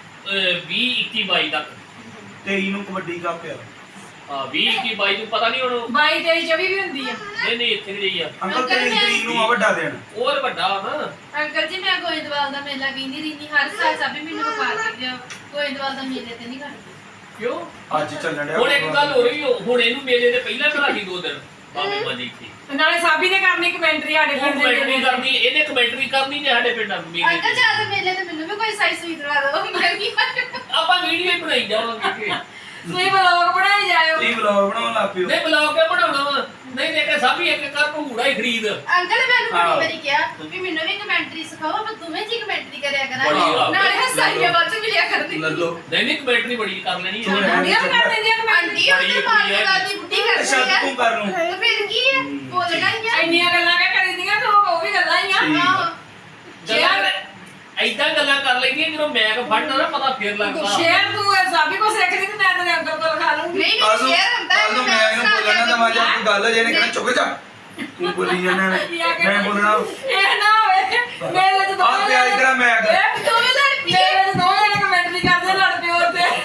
[SPEAKER 3] ਵੀਹ ਇੱਕੀ ਬਾਈ ਤੱਕ
[SPEAKER 1] ਤੇਈ ਨੂੰ ਕਬੱਡੀ ਕੱਪ ਆ
[SPEAKER 3] ਹਾਂ ਵੀਹ ਇੱਕੀ ਬਾਈ ਨੂੰ ਪਤਾ ਨਹੀਂ ਹੁਣ
[SPEAKER 4] ਬਾਈ ਤੇਈ ਚੌਵੀ ਵੀ ਹੁੰਦੀ ਆ
[SPEAKER 3] ਨਹੀਂ ਨਹੀਂ ਇੱਥੇ ਜਿਹੀ ਆ
[SPEAKER 1] ਅੰਕਲ ਤੇਈ ਤਰੀਕ ਨੂੰ ਆ ਵੱਡਾ ਦਿਨ
[SPEAKER 3] ਉਹ ਤਾਂ ਵੱਡਾ ਨਾ
[SPEAKER 2] ਅੰਕਲ ਜੀ ਮੈਂ ਗੋਇੰਦਵਾਲ ਦਾ ਮੇਲਾ ਵੀਂਦੀ ਰਹਿੰਦੀ ਹਰ ਸਾਲ ਸਭੀ ਮੈਨੂੰ ਵਿਖਾ ਕੇ ਦਿਓ ਗੋਇੰਦਵਾਲ ਦਾ ਮੇਲੇ ਤੇ ਨਹੀਂ ਖੜਦੀ
[SPEAKER 3] ਕਿਉਂ
[SPEAKER 1] ਅੱਜ ਚੱਲਣ ਡਿਆ
[SPEAKER 3] ਹੁਣ ਇੱਕ ਗੱਲ ਹੋ ਰਹੀ ਹੁਣ ਇਹਨੂੰ ਮੇਲੇ ਦੇ ਪਹਿਲਾਂ ਕਰਾ ਦੀ ਦੋ ਦਿਨ ਬਾਬੇ ਮਾਜੀ ਇੱਥੇ
[SPEAKER 4] ਤੇ ਨਾਲੇ ਸਾਬੀ ਨੇ ਕਰਨੀ ਕਮੈਂਟਰੀ ਸਾਡੇ
[SPEAKER 3] ਉਹ
[SPEAKER 4] ਪਿੰਡ ਦੇ
[SPEAKER 3] ਕਮੈਂਟਰੀ ਕਰਨੀ ਇਹਨੇ ਕਮੈਂਟਰੀ ਕਰਨੀ ਜੇ ਸਾਡੇ ਪਿੰਡਾਂ ਨੂੰ ਮੇਲੇ
[SPEAKER 2] ਅੰਕਲ
[SPEAKER 3] ਦੀ।
[SPEAKER 2] ਜਾ ਕੇ ਮੇਲੇ ਤੇ ਮੈਨੂੰ ਵੀ ਕੋਈ ਸਾਈ ਸੂਈ ਦਵਾ ਦਿਓ ਮੈਂ ਕੀ
[SPEAKER 3] ਆਪਾਂ ਵੀਡੀਓ ਹੀ ਬਣਾਈ ਜਾਵਾਂਗੇ
[SPEAKER 4] ਤੁਸੀਂ ਬਲੌਗ ਬਣਾਈ ਜਾਇਓ
[SPEAKER 1] ਇਹ ਵਲੌਗ ਬਣਾਉਣ ਲੱਗ ਪਿਓ
[SPEAKER 3] ਨਹੀਂ ਬਲੌਗ ਕੇ ਬਣਾਉਣਾ ਵਾ ਨਹੀਂ ਦੇ ਕੇ ਸਭ ਹੀ ਇੱਕ ਕਰ ਭੂੜਾ ਹੀ ਖਰੀਦ
[SPEAKER 2] ਅੰਕਲ ਨੇ ਮੈਨੂੰ
[SPEAKER 1] ਹਾਂ।
[SPEAKER 2] ਬੜੀ ਵਾਰੀ ਕਿਹਾ ਕਿ ਮੈਨੂੰ ਵੀ ਕਮੈਂਟਰੀ ਸਿਖਾਓ ਆਪਾਂ ਦੋਵੇਂ ਜੀ ਕਮੈਂਟਰੀ ਕਰਿਆ
[SPEAKER 3] ਬੜੀ
[SPEAKER 2] ਕਰਾਂਗੇ
[SPEAKER 3] ਆ।
[SPEAKER 2] ਨਾਲੇ ਹਸਾਈਆਂ ਵੱਧ ਮਿਲਿਆ ਕਰਦੀ
[SPEAKER 1] ਲੱਲੋ
[SPEAKER 3] ਨਹੀਂ ਨਹੀਂ ਕਮੈਂਟਰੀ ਬੜੀ ਕਰ ਲੈਣੀ
[SPEAKER 1] ਤੂੰ
[SPEAKER 3] ਹੈ
[SPEAKER 1] ਰਹਿ।
[SPEAKER 4] ਆਂਡੀਆਂ ਵੀ ਕਰ ਦਿੰਦੀਆਂ ਕਮੈਂਟਰੀ
[SPEAKER 2] ਆਂਟੀ ਉਹ ਤਾਂ ਮਾਰ ਗੱਲ ਦੀ ਬੁੱਢੀ ਕਰਦੀ
[SPEAKER 1] ਅੱਛਾ
[SPEAKER 2] ਆ
[SPEAKER 1] ਤੂੰ ਕਰ ਲੂੰ
[SPEAKER 2] ਤੇ ਫਿਰ ਕੀ ਹੈ ਬੋਲਣਾ ਹੀ ਆ
[SPEAKER 4] ਇੰਨੀਆਂ ਗੱਲਾਂ ਕਿ ਕਰੀਦੀਆਂ ਤੇ ਉਹ ਵੀ ਗੱਲਾਂ ਹੀ ਆ
[SPEAKER 1] ਠੀਕ।
[SPEAKER 2] ਆਹੋ।
[SPEAKER 3] ਗੱਲਾਂ ਐਦਾਂ ਗੱਲਾਂ ਕਰ ਲੈਂਦੀਆਂ ਜਦੋਂ ਮੈਕ ਫੜਨਾ ਨਾ ਪਤਾ ਫੇਰ ਲੱਗਦਾ
[SPEAKER 4] ਸ਼ੇਰ ਤੂੰ ਸਾਬੀ ਕੋ ਸਿੱਖਦੀ ਤੇ ਮੈਂ ਤੇਰੇ ਅੰਕਲ ਕੋਲ ਖਾ ਲੂੰਗੀ
[SPEAKER 2] ਨਹੀਂ
[SPEAKER 1] ਕੱਲ
[SPEAKER 2] ਨਹੀਂ
[SPEAKER 1] ਨੂੰ
[SPEAKER 2] ਸ਼ੇਅਰ ਹੁੰਦਾ
[SPEAKER 1] ਕੱਲ ਨੂੰ ਮੈਂ ਇਹਨੂੰ ਬੋਲਣਾ ਤਾਂ ਮਾਜਾ ਕੋਈ ਗੱਲ ਜੇ ਨੇ ਕਹਿਣਾ ਚੁੱਕ ਜਾ ਤੂੰ ਬੋਲੀ ਜਾਣਾ ਮੈਂ ਬੋਲਣਾ
[SPEAKER 4] ਇਹ ਨਾ ਹੋਵੇ ਮੇਰੇ ਚ ਦੋ
[SPEAKER 1] ਆ ਪਿਆ ਇਧਰ ਮੈਂ ਕਰ
[SPEAKER 2] ਦੋਵੇਂ ਲੜ ਪਈ
[SPEAKER 4] ਮੇਰੇ ਚ ਦੋ ਜਣੇ ਕਮੈਂਟਰੀ ਕਰਦੇ ਲੜ ਪਿਓ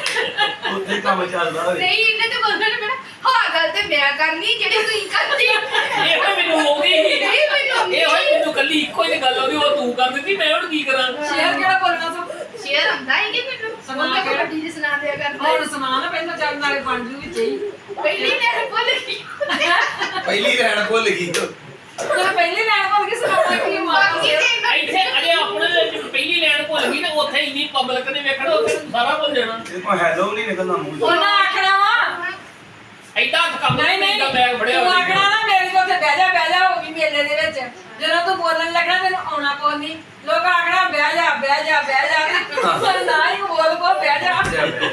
[SPEAKER 4] ਤੇ
[SPEAKER 1] ਉੱਥੇ ਕੰਮ ਚੱਲਦਾ ਹੋਵੇ
[SPEAKER 2] ਨਹੀਂ ਇਹਨੇ ਤੇ ਬੋਲਣਾ ਮੇਰਾ ਹਾਂ ਗੱਲ ਤੇ ਮੈਂ ਕਰਨੀ ਜਿਹੜੀ ਤੂੰ ਕਰਦੀ
[SPEAKER 3] ਇਹ ਹੋਈ ਮੈਨੂੰ ਆਉਂਦੀ ਸੀ
[SPEAKER 2] ਨਹੀਂ ਮੈਨੂੰ ਆਉਂਦੀ।
[SPEAKER 3] ਇਹ ਹੋਈ ਮੈਨੂੰ ਕੱਲੀ ਇੱਕੋ ਹੀ ਗੱਲ ਆਉਂਦੀ ਉਹ ਤੂੰ ਕਰ ਦਿੱਤੀ ਮੈਂ ਹੁਣ ਕੀ ਕਰਾਂ
[SPEAKER 4] ਸ਼ੇਰ ਕਿਹੜਾ ਬੋਲਣਾ ਸੋ
[SPEAKER 2] ਸ਼ੇਅਰ ਹੁੰਦਾ ਹੈ ਕਿ ਮੈਨੂੰ
[SPEAKER 4] ਸੁਣਾ
[SPEAKER 2] ਸੁਣਾ
[SPEAKER 4] ਕੇ।
[SPEAKER 2] ਕੇ ਵੱਡੀ ਜੀ ਸੁਣਾ ਦਿਆ ਕਰਦਾ
[SPEAKER 4] ਹੁਣ ਸੁਣਾ ਨਾ ਪਹਿਲਾਂ ਚੱਲ ਨਾਲੇ ਬਣ ਜੂ ਵਿੱਚ ਹੀ
[SPEAKER 2] ਪਹਿਲੀ ਮੈਂ ਭੁੱਲ ਗਈ
[SPEAKER 1] ਪਹਿਲੀ ਰਹਿਣ ਭੁੱਲ ਗਈ ਤੂੰ
[SPEAKER 4] ਤੂੰ ਪਹਿਲੀ ਲੈਣ ਭੁੱਲ ਕੇ ਸੁਣਾਉਣਾ ਕੀ ਮਾਰਦਾ
[SPEAKER 2] ਬਾਕੀ ਤੇ
[SPEAKER 3] ਇੱਥੇ ਅਜੇ ਆਪਣੇ ਵਿੱਚ ਪਹਿਲੀ ਲੈਣ ਭੁੱਲ ਗਈ ਤੇ ਉੱਥੇ ਇੰਨੀ ਪਬਲਿਕ ਨੇ ਵੇਖਣਾ ਉੱਥੇ ਤੂੰ ਸਾਰਾ ਭੁੱਲ ਜਾਣਾ
[SPEAKER 1] ਇਹ ਕੋਈ ਹੈਲੋ ਨਹੀਂ ਨਿਕਲਦਾ ਮੂੰਹ ਚੋਂ।
[SPEAKER 4] ਉਹਨਾਂ ਆਖਣਾ ਵਾ
[SPEAKER 3] ਐਡਾ ਕੰਮ
[SPEAKER 4] ਨਹੀਂ
[SPEAKER 3] ਨਹੀਂ
[SPEAKER 4] ਨਹੀਂ
[SPEAKER 3] ਬੈਗ ਫੜਿਆ
[SPEAKER 4] ਤੂੰ ਆਖਣਾ ਨਾ ਮੇਰੀ ਕੋਲ ਤੇ ਬਹਿ ਜਾ ਬਹਿ ਜਾ ਹੋ ਗਈ ਮੇਲੇ ਦੇ ਵਿੱਚ ਜਦੋਂ ਤੂੰ ਬੋਲਣ ਲੱਗਣਾ ਤੈਨੂੰ ਆਉਣਾ ਕੋਈ ਨਹੀਂ ਲੋਕ ਆਖਣਾ ਬਹਿ ਜਾ ਬਹਿ ਜਾ ਬਹਿ ਜਾ ਨਾ ਹੀ ਬੋਲ ਕੋ ਬਹਿ ਜਾ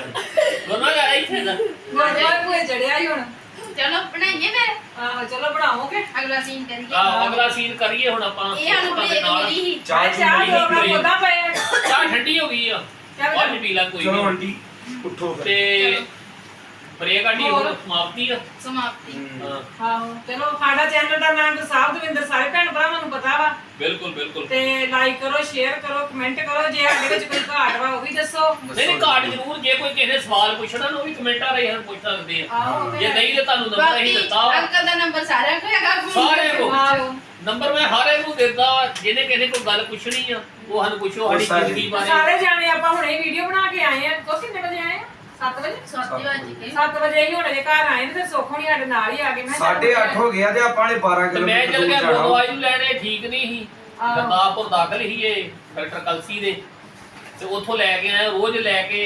[SPEAKER 3] ਦੋਨੋਂ ਯਾਰ ਇੱਥੇ ਨਾ
[SPEAKER 4] ਗੁਰਦੁਆਰੇ ਭੂਏ ਚੜਿਆ ਹੀ ਹੁਣ
[SPEAKER 2] ਚਲੋ ਬਣਾਈਏ ਫਿਰ
[SPEAKER 4] ਆਹੋ ਚਲੋ ਬਣਾਓਗੇ
[SPEAKER 2] ਅਗਲਾ ਸੀਨ ਕਰੀਏ
[SPEAKER 3] ਆਹ ਅਗਲਾ ਸੀਨ ਕਰੀਏ ਹੁਣ ਆਪਾਂ
[SPEAKER 2] ਇਹ ਸਾਨੂੰ ਬ੍ਰੇਕ ਮਿਲੀ ਸੀ
[SPEAKER 1] ਚਾਹ
[SPEAKER 4] ਚਾਹ
[SPEAKER 1] ਚੂਹ
[SPEAKER 4] ਲੋਕਾਂ
[SPEAKER 1] ਨਹੀਂ
[SPEAKER 4] ਕੋਦਾ ਪਏ ਆ।
[SPEAKER 3] ਚਾਹ ਠੰਡੀ ਹੋ ਗਈ ਆ
[SPEAKER 4] ਚੱਲ
[SPEAKER 3] ਉਹ ਪੀ ਲਾ ਕੋਈ
[SPEAKER 1] ਚਲੋ
[SPEAKER 3] ਨਹੀਂ
[SPEAKER 1] ਆਂਟੀ ਉੱਠੋ ਫਿਰ।
[SPEAKER 3] ਤੇ ਬ੍ਰੇਕ ਆਂਟੀ ਹੁਣ ਸਮਾਪਤੀ ਆ
[SPEAKER 2] ਸਮਾਪਤੀ
[SPEAKER 1] ਹੂੰ।
[SPEAKER 3] ਹਾਂ
[SPEAKER 4] ਆਹੋ ਚਲੋ ਸਾਡਾ ਚੈਨਲ ਦਾ ਨਾਮ ਸਾਹਿਬ ਦਵਿੰਦਰ ਸਾਰੇ ਭੈਣ ਭਰਾਵਾਂ ਨੂੰ ਪਤਾ ਵਾ
[SPEAKER 3] ਬਿਲਕੁਲ ਬਿਲਕੁਲ
[SPEAKER 4] ਤੇ ਲਾਈਕ ਕਰੋ ਸ਼ੇਅਰ ਕਰੋ ਕਮੈਂਟ ਕਰੋ ਜੇ ਸਾਡੇ ਵਿੱਚ ਕੋਈ ਘਾਟ ਵਾ ਉਹ ਵੀ ਦੱਸੋ
[SPEAKER 3] ਨਹੀਂ ਨਹੀਂ ਕਾਰਡ ਜ਼ਰੂਰ ਜੇ ਕੋਈ ਕਿਸੇ ਨੇ ਸਵਾਲ ਪੁੱਛਣਾ ਨਾ ਉਹ ਵੀ ਕਮੈਂਟਾਂ ਰਾਹੀਂ ਸਾਨੂੰ ਪੁੱਛ ਸਕਦੇ ਆ
[SPEAKER 4] ਆਹੋ
[SPEAKER 3] ਜੇ ਨਹੀਂ ਤੇ ਤੁਹਾਨੂੰ ਨੰਬਰ ਅਸੀਂ
[SPEAKER 2] ਬਾਕੀ
[SPEAKER 3] ਦਿੱਤਾ ਵਾ
[SPEAKER 2] ਅੰਕਲ ਦਾ ਨੰਬਰ ਸਾਰਿਆਂ ਕੋਲ ਹੈਗਾ phone
[SPEAKER 3] ਸਾਰਿਆਂ ਕੋਲ।
[SPEAKER 4] ਆਹੋ
[SPEAKER 3] ਨੰਬਰ ਮੈਂ ਹਰ ਇੱਕ ਨੂੰ ਦਿੰਦਾ ਵਾ ਜਿਹਨੇ ਕਿਸੇ ਕੋਈ ਗੱਲ ਪੁੱਛਣੀ ਆ ਉਹ ਸਾਨੂੰ ਪੁੱਛੋ ਸਾਡੀ
[SPEAKER 1] ਸਾਰੇ।
[SPEAKER 3] ਜ਼ਿੰਦਗੀ ਬਾਰੇ
[SPEAKER 4] ਸਾਰੇ ਜਾਣੇ ਆਪਾਂ ਹੁਣੇ ਵੀਡੀਓ ਬਣਾ ਕੇ ਆਏ ਆ ਕੋ ਕਿੰਨੇ ਵਜੇ ਆਏ ਆ ਸੱਤ ਵਜੇ
[SPEAKER 2] ਸੱਤ ਵੱਜ ਗਏ
[SPEAKER 4] ਸੱਤ ਵਜੇ ਹੀ ਹੁਣੇ ਦੇ ਘਰ ਆਏ ਨੇ ਫਿਰ ਸੁੱਖ ਹੋਣੀ ਸਾਡੇ ਨਾਲ ਹੀ ਆ ਗਏ ਮੈਂ ਕਿਹਾ
[SPEAKER 1] ਸਾਢੇ ਅੱਠ ਹੋ ਗਿਆ ਤੇ ਆਪਾਂ ਨੇ ਬਾਰਾਂ
[SPEAKER 3] ਤੇ ਮੈਂ
[SPEAKER 1] ਕਿਲੋਮੀਟਰ
[SPEAKER 3] ਚੱਲ ਗਿਆ
[SPEAKER 1] ਦੂਰ ਜਾਣਾ।
[SPEAKER 3] ਦਵਾਈ ਨੂੰ ਲੈਣੇ ਠੀਕ ਨਹੀਂ ਸੀ
[SPEAKER 4] ਆਹੋ।
[SPEAKER 3] ਗਰਦਾਸਪੁਰ ਦਾਖਲ ਹੀ ਇਹ ਡਾਕਟਰ ਕਲਸੀ ਦੇ ਤੇ ਉੱਥੋਂ ਲੈ ਕੇ ਆਇਆ ਰੋਜ਼ ਲੈ ਕੇ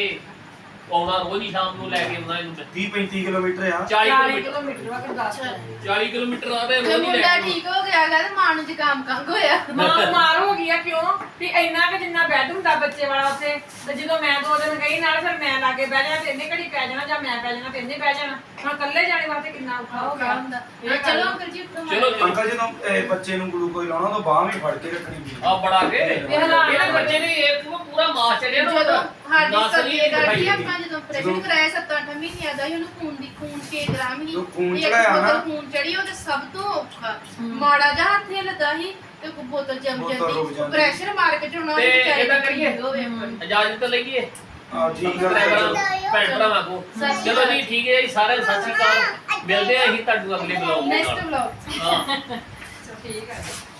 [SPEAKER 3] ਆਉਣਾ ਰੋਜ਼ ਹੀ ਸ਼ਾਮ ਨੂੰ ਲੈ ਕੇ ਆਉਣਾ ਇਹਨੂੰ ਮੈਂ।
[SPEAKER 1] ਤੀਹ ਪੈਂਤੀ ਕਿਲੋਮੀਟਰ ਆ
[SPEAKER 3] ਚਾਲੀ
[SPEAKER 4] ਚਾਲੀ
[SPEAKER 3] ਕਿਲੋਮੀਟਰ
[SPEAKER 4] ਕਿਲੋਮੀਟਰ ਵਾ ਗੁਰਦਾਸਪੁਰ
[SPEAKER 3] ਚਾਲੀ ਕਿਲੋਮੀਟਰ ਆ ਤੇ
[SPEAKER 2] ਤੇ
[SPEAKER 3] ਰੋਜ਼ ਹੀ ਲੈ
[SPEAKER 2] ਮੁੰਡਾ
[SPEAKER 3] ਕੇ
[SPEAKER 2] ਠੀਕ ਹੋ ਗਿਆ ਗਾ ਤੇ ਮਾਂ ਨੂੰ ਜ਼ੁਕਾਮ ਕੰਗ ਹੋਇਆ
[SPEAKER 4] ਮਾਂ ਬਿਮਾਰ ਹੋ ਗਈ ਆ ਕਿਉਂ ਵੀ ਇੰਨਾ ਕਿ ਜਿੰਨਾ ਬੈੱਡ ਹੁੰਦਾ ਬੱਚੇ ਵਾਲਾ ਉੱਥੇ ਤੇ ਜਦੋਂ ਮੈਂ ਦੋ ਦਿਨ ਗਈ ਨਾਲ ਫਿਰ ਮੈਂ ਲਾਗੇ ਬਹਿ ਜਾਣਾ ਤੇ ਇਹਨੇ ਘੜੀ ਪੈ ਜਾਣਾ ਜਾਂ ਮੈਂ ਪੈ ਜਾਣਾ ਤੇ ਇਹਨੇ ਬਹਿ ਜਾਣਾ ਹੁਣ ਇਕੱਲੇ ਜਾਣੇ ਵਾਸਤੇ ਕਿੰਨਾ ਔਖਾ ਹੋ ਗਿਆ
[SPEAKER 2] ਹੁੰਦਾ ਹਾਂ, ਚਲੋ ਅੰਕਲ ਜੀ ਉੱਠੋ
[SPEAKER 3] ਚਲੋ, ਚਲੋ।
[SPEAKER 1] ਅੰਕਲ ਜਦੋਂ ਇਹ ਬੱਚੇ ਨੂੰ ਗਲੂਕੋਜ਼ ਲਾਉਣਾ ਤਾਂ ਬਾਹ ਵੀ ਫੜ ਕੇ ਰੱਖਣੀ ਪਈ
[SPEAKER 3] ਆ ਬੜਾ ਕੇ
[SPEAKER 4] ਇਹ ਹਾਲਾਤ
[SPEAKER 3] ਇਹਦੇ ਬੱਚੇ ਨੇ ਇਹ ਪੂਰਾ ਪੂਰਾ ਮਾਸ ਚੜਿਆ ਨਾ
[SPEAKER 2] ਜਦੋਂ
[SPEAKER 3] ਉਹਦਾ
[SPEAKER 2] ਸਾਡੀ
[SPEAKER 3] ਨਸ ਨਹੀਂ
[SPEAKER 2] ਸਰਦੀ
[SPEAKER 3] ਦਿਖਾਈ
[SPEAKER 2] ਗਾੜੀ
[SPEAKER 3] ਦਿੰਦੀ।
[SPEAKER 2] ਆਪਾਂ ਜਦੋਂ ਆਪਰੇਸ਼ਨ ਕਰਾਇਆ ਸੱਤ ਅੱਠ ਮਹੀਨਿਆਂ ਦਾ ਸੀ ਉਹਨੂੰ ਖੂਨ ਦੀ ਖੂਨ ਛੇ ਗ੍ਰਾਮ ਹੀ
[SPEAKER 1] ਜੋ ਖੂਨ
[SPEAKER 2] ਇੱਕ
[SPEAKER 1] ਚੜਾਇਆ ਨਾ।
[SPEAKER 2] ਬੋਤਲ ਖੂਨ ਚੜੀ ਉਹ ਤੇ ਸਭ ਤੋਂ ਔਖਾ ਮਾੜਾ ਜਿਹਾ ਹੱਥ ਹਿੱਲਦਾ ਸੀ ਤੇ ਕੋਈ ਬੋਤਲ ਜੰਮ
[SPEAKER 1] ਬੋਤਲ ਰੁਕ
[SPEAKER 2] ਜਾਂਦੀ
[SPEAKER 1] ਜਾਂਦੀ।
[SPEAKER 2] ਪ੍ਰੈਸ਼ਰ ਮਾਰ ਕੇ ਚੜਾਉਣਾ
[SPEAKER 3] ਤੇ
[SPEAKER 2] ਵਿਚਾਰੀ
[SPEAKER 3] ਇਹਦਾ
[SPEAKER 2] ਨੂੰ
[SPEAKER 3] ਕਰੀਏ?
[SPEAKER 2] ਹੋਵੇ ਆਪਣੀ।
[SPEAKER 3] ਇਜਾਜ਼ਤ ਲਈਏ
[SPEAKER 1] ਆ ਠੀਕ ਆ
[SPEAKER 3] ਭੈਣ ਭਰਾਵਾਂ ਕੋ
[SPEAKER 2] ਸਤਿ ਸ਼੍ਰੀ
[SPEAKER 3] ਚਲੋ ਜੀ ਠੀਕ ਹੈ ਜੀ ਸਾਰਿਆਂ ਨੂੰ ਸਤਿ ਸ਼੍ਰੀ ਅਕਾਲ ਮਿਲਦੇ ਆ ਅਸੀਂ ਤੁਹਾਨੂੰ ਅਗਲੇ ਬਲੌਗ ਦੇ
[SPEAKER 2] ਨੈਕਸਟ
[SPEAKER 3] ਨਾਲ
[SPEAKER 2] ਵਲੌਗ
[SPEAKER 3] ਹਾਂ
[SPEAKER 4] ਠੀਕ ਹੈ